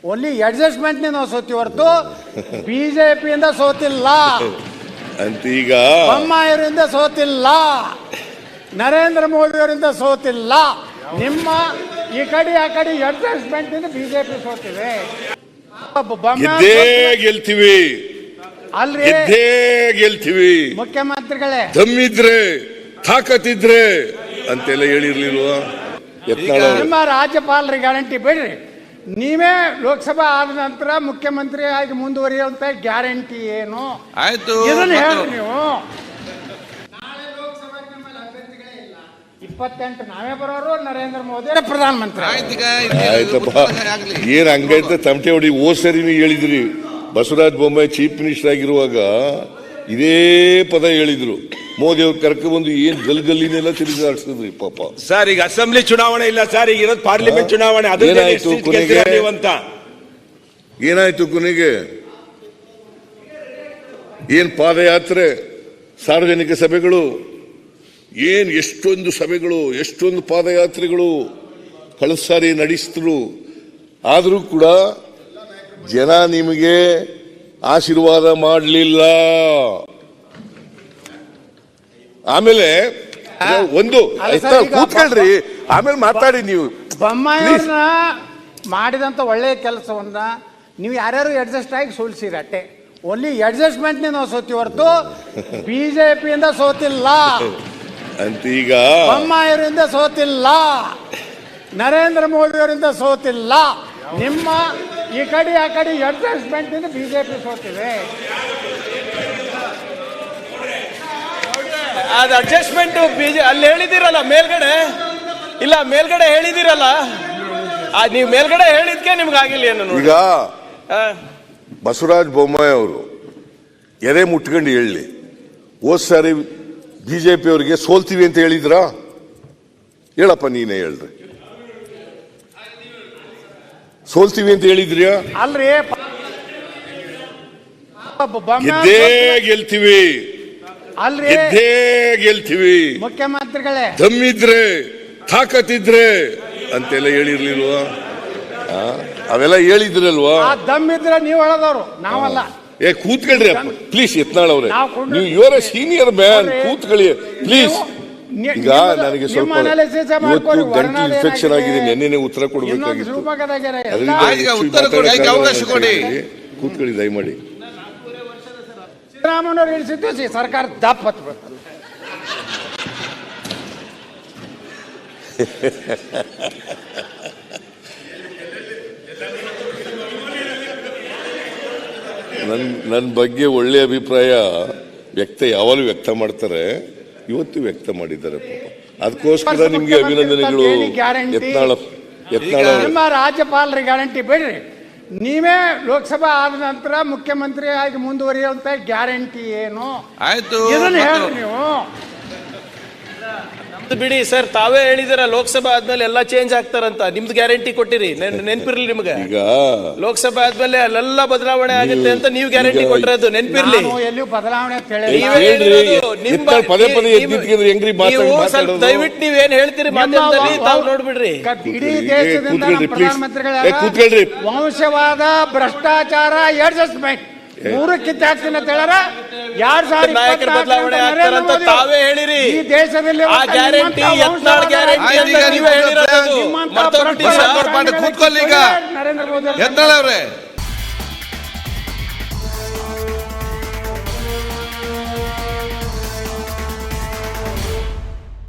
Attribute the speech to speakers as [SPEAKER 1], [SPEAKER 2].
[SPEAKER 1] Only adjustment ನಾವು ಸೋತಿ ಹೊರತು ಬಿಜೆಪಿಯಿಂದ ಸೋತಿಲ್ಲ
[SPEAKER 2] ಅಂತ. ಈಗ
[SPEAKER 1] ಬೊಮ್ಮಾಯಿಯವರಿಂದ ಸೋತಿಲ್ಲ, ನರೇಂದ್ರ ಮೋದಿ ಅವರಿಂದ ಸೋತಿಲ್ಲ. ನಿಮ್ಮ ಈ ಕಡೆ ಆ ಕಡೆ ಅಡ್ಜಸ್ಟ್ಮೆಂಟ್ ಇಂದ ಬಿಜೆಪಿ ಸೋತಿವೆ.
[SPEAKER 2] ಗೆಲ್ತೀವಿ
[SPEAKER 1] ಅಲ್ರಿ,
[SPEAKER 2] ಗೆಲ್ತೀವಿ
[SPEAKER 1] ಮುಖ್ಯಮಂತ್ರಿಗಳೇ,
[SPEAKER 2] ದಮ್ಮಿದ್ರೆ ತಾಕತ್ತಿದ್ರೆ ಅಂತೆಲ್ಲ ಹೇಳಿರ್ಲಿಲ್ವಾ?
[SPEAKER 1] ನಿಮ್ಮ ರಾಜ್ಯಪಾಲರಿಗೆ ಗ್ಯಾರಂಟಿ ಬಿಡ್ರಿ, ನೀವೇ ಲೋಕಸಭಾ ಆದ ನಂತರ ಮುಖ್ಯಮಂತ್ರಿ ಆಗಿ ಮುಂದುವರಿಯುವಂತ ಗ್ಯಾರಂಟಿ ಏನು?
[SPEAKER 3] ಆಯ್ತು,
[SPEAKER 1] ಇದನ್ನ ಹೇಳಿ ನೀವು. 28 ನಾವೇ ಬರೋರು, ನರೇಂದ್ರ ಮೋದಿ ಪ್ರಧಾನಮಂತ್ರಿ.
[SPEAKER 2] ಆಯ್ತಪ್ಪ, ಏನ್ ಹಂಗೈತೆ ತಮಟೆ ಹೊಡಿ. ಸರಿ ನೀವು ಹೇಳಿದ್ರಿ, ಬಸವರಾಜ ಬೊಮ್ಮಾಯಿ ಚೀಫ್ ಮಿನಿಸ್ಟರ್ ಆಗಿರುವಾಗ ಇದೇ ಪದ ಹೇಳಿದ್ರು. ಮೋದಿ ಅವ್ರು ಕರ್ಕೊಂಡ್ಬಂದು ಏನ್ ಗಲ್ಲಿನೆಲ್ಲ ತಿರುಗಾಡಿಸಿದ್ರಿ ಪಾಪ.
[SPEAKER 3] ಸರ್ ಈಗ ಅಸೆಂಬ್ಲಿ ಚುನಾವಣೆ ಇಲ್ಲ ಸರ್, ಈಗ ಇರೋದು ಪಾರ್ಲಿಮೆಂಟ್ ಚುನಾವಣೆ.
[SPEAKER 2] ಏನಾಯ್ತು ಕೊನೆಗೆ? ಏನ್ ಪಾದಯಾತ್ರೆ, ಸಾರ್ವಜನಿಕ ಸಭೆಗಳು, ಏನ್ ಎಷ್ಟೊಂದು ಸಭೆಗಳು, ಎಷ್ಟೊಂದು ಪಾದಯಾತ್ರೆಗಳು ಕಳೆದ ಸಾರಿ ನಡೆಸಿದ್ರು. ಆದರೂ ಕೂಡ ಜನ ನಿಮಗೆ ಆಶೀರ್ವಾದ ಮಾಡಲಿಲ್ಲ. ಆಮೇಲೆ ಒಂದು ಕೂತ್ಕೊಳ್ರಿ, ಆಮೇಲೆ ಮಾತಾಡಿ ನೀವು.
[SPEAKER 1] ಬೊಮ್ಮಾಯಿಯವ್ರನ್ನ ಮಾಡಿದಂತ ಒಳ್ಳೆಯ ಕೆಲಸವನ್ನ ನೀವು ಯಾರ್ಯಾರು ಅಡ್ಜಸ್ಟ್ ಆಗಿ ಸೋಲಿಸಿರಿ ಅಟ್ಟೆ. ಓನ್ಲಿ ಅಡ್ಜಸ್ಟ್ಮೆಂಟ್ ನಾವು ಸೋತಿ ಹೊರತು ಬಿಜೆಪಿಯಿಂದ ಸೋತಿಲ್ಲ
[SPEAKER 2] ಅಂತ. ಈಗ
[SPEAKER 1] ಬೊಮ್ಮಾಯಿಯವರಿಂದ ಸೋತಿಲ್ಲ, ನರೇಂದ್ರ ಮೋದಿ ಅವರಿಂದ ಸೋತಿಲ್ಲ. ನಿಮ್ಮ ಈ ಕಡೆ ಆ ಕಡೆ ಅಡ್ಜಸ್ಟ್ಮೆಂಟ್ ಇಂದ ಬಿಜೆಪಿ ಸೋತಿವೆ.
[SPEAKER 4] ಅದು ಅಡ್ಜಸ್ಟ್ಮೆಂಟ್ ಅಲ್ಲಿ ಹೇಳಿದಿರಲ್ಲ ಮೇಲ್ಗಡೆ, ಇಲ್ಲ ಮೇಲ್ಗಡೆ ಹೇಳಿದಿರಲ್ಲ, ನೀವು ಮೇಲ್ಗಡೆ ಹೇಳಿದ್ಕೆ ನಿಮ್ಗೆ ಆಗಿಲ್ಲ ಏನು?
[SPEAKER 2] ಈಗ ಬಸವರಾಜ ಬೊಮ್ಮಾಯಿ ಅವರು ಎದೆ ಮುಟ್ಕೊಂಡು ಹೇಳಿ, ಹೋದ್ ಸಾರಿ ಬಿಜೆಪಿ ಅವರಿಗೆ ಸೋಲ್ತೀವಿ ಅಂತ ಹೇಳಿದ್ರಾ? ಹೇಳಪ್ಪ, ನೀನೇ ಹೇಳ್ರಿ. ಸೋಲ್ತೀವಿ ಅಂತ ಹೇಳಿದ್ರಿಯಾ?
[SPEAKER 1] ಅಲ್ರಿ,
[SPEAKER 2] ಗೆಲ್ತೀವಿ
[SPEAKER 1] ಅಲ್ರಿ,
[SPEAKER 2] ಗೆಲ್ತೀವಿ
[SPEAKER 1] ಮುಖ್ಯಮಂತ್ರಿಗಳೇ,
[SPEAKER 2] ದಮ್ಮಿದ್ರೆ ತಾಕತ್ತಿದ್ರೆ ಅಂತೆಲ್ಲ ಹೇಳಿರ್ಲಿಲ್ವಾ? ಅವೆಲ್ಲ ಹೇಳಿದ್ರಲ್ವಾ?
[SPEAKER 1] ದಮ್ಮಿದ್ರೆ ನೀವು ಹೇಳದವ್ರು, ನಾವಲ್ಲ.
[SPEAKER 2] ಕೂತ್ಕೊಳ್ರಿ ಪ್ಲೀಸ್. ಯತ್ನಾಳ್ ಅವ್ರೆ, ನೀವು ಇವರ ಸೀನಿಯರ್ ಮ್ಯಾನ್, ಕೂತ್ಕೊಳ್ಳಿ ಪ್ಲೀಸ್. ಈಗ ನನಗೆ ಸ್ವಲ್ಪ ಇವತ್ತು ಗಂಟು ಇನ್ಫೆಕ್ಷನ್ ಆಗಿದೆ, ನೆನ್ನೆ ಉತ್ತರ ಕೊಡಬೇಕಾಗಿತ್ತು. ಕೂತ್ಕೊಳ್ಳಿ ದಯಮಾಡಿ.
[SPEAKER 1] ಸಿದ್ದರಾಮಯ್ಯವ್ರು ಇಳಿಸಿದ್ದು ಸರ್ಕಾರ ದಪ್ಪತ್ ಬರ್ತದೆ.
[SPEAKER 2] ನನ್ನ ಬಗ್ಗೆ ಒಳ್ಳೆ ಅಭಿಪ್ರಾಯ ಯಾವಾಗಲೂ ವ್ಯಕ್ತ ಮಾಡ್ತಾರೆ, ಇವತ್ತು ವ್ಯಕ್ತ ಮಾಡಿದ್ದಾರೆ ಪಾಪ. ಅದಕ್ಕೋಸ್ಕರ ನಿಮ್ಗೆ ಅಭಿನಂದನೆಗಳು.
[SPEAKER 1] ನಿಮ್ಮ ರಾಜ್ಯಪಾಲರಿಗೆ ಗ್ಯಾರಂಟಿ ಬಿಡ್ರಿ, ನೀವೇ ಲೋಕಸಭಾ ಆದ ನಂತರ ಮುಖ್ಯಮಂತ್ರಿ ಆಗಿ ಮುಂದುವರಿಯುವಂತ ಗ್ಯಾರಂಟಿ ಏನು?
[SPEAKER 3] ಆಯ್ತು,
[SPEAKER 1] ಇದನ್ನ ಹೇಳಿ ನೀವು.
[SPEAKER 4] ಬಿಡಿ ಸರ್, ತಾವೇ ಹೇಳಿದಿರ ಲೋಕಸಭಾ ಆದ್ಮೇಲೆ ಎಲ್ಲ ಚೇಂಜ್ ಆಗ್ತಾರಂತ. ನಿಮ್ದು ಗ್ಯಾರಂಟಿ ಕೊಟ್ಟಿರಿ, ನೆನ್ಪಿರ್ಲಿ ನಿಮ್ಗೆ.
[SPEAKER 2] ಈಗ
[SPEAKER 4] ಲೋಕಸಭಾ ಆದ್ಮೇಲೆ ಅಲ್ಲೆಲ್ಲ ಬದಲಾವಣೆ ಆಗುತ್ತೆ ಅಂತ ನೀವು ಗ್ಯಾರಂಟಿ ಕೊಟ್ಟಿರೋದು ನೆನ್ಪಿರ್ಲಿ.
[SPEAKER 1] ಎಲ್ಲಿಯೂ ಬದಲಾವಣೆ
[SPEAKER 4] ದಯವಿಟ್ಟು ನೀವೇನ್ ಹೇಳ್ತೀರಿ ಮಾಧ್ಯಮದಲ್ಲಿ ತಾವು ನೋಡ್ಬಿಡ್ರಿ.
[SPEAKER 1] ಇಡೀ ದೇಶದಿಂದ ಪ್ರಧಾನಮಂತ್ರಿಗಳ ವಂಶವಾದ, ಭ್ರಷ್ಟಾಚಾರ, ಅಡ್ಜಸ್ಟ್ಮೆಂಟ್ ಮೂರು ಕಿತ್ತಾಕ್ತೀನಿ ಅಂತ ಹೇಳಾರ.
[SPEAKER 4] 2024 ಬದಲಾವಣೆ ಆಗ್ತಾರಂತ ತಾವೇ ಹೇಳಿರಿ.
[SPEAKER 1] ಈ ದೇಶದಲ್ಲಿ
[SPEAKER 4] ಆ ಗ್ಯಾರಂಟಿ ಯತ್ನಾಳ್ ಗ್ಯಾರಂಟಿ ಅಂತ ನೀವೇ ಹೇಳಿರೋದು.
[SPEAKER 3] ಕೂತ್ಕೊಳ್ಳಿ ಈಗ.
[SPEAKER 1] ನರೇಂದ್ರ ಮೋದಿ
[SPEAKER 3] ಯತ್ನಾಳ್ ಅವ್ರೆ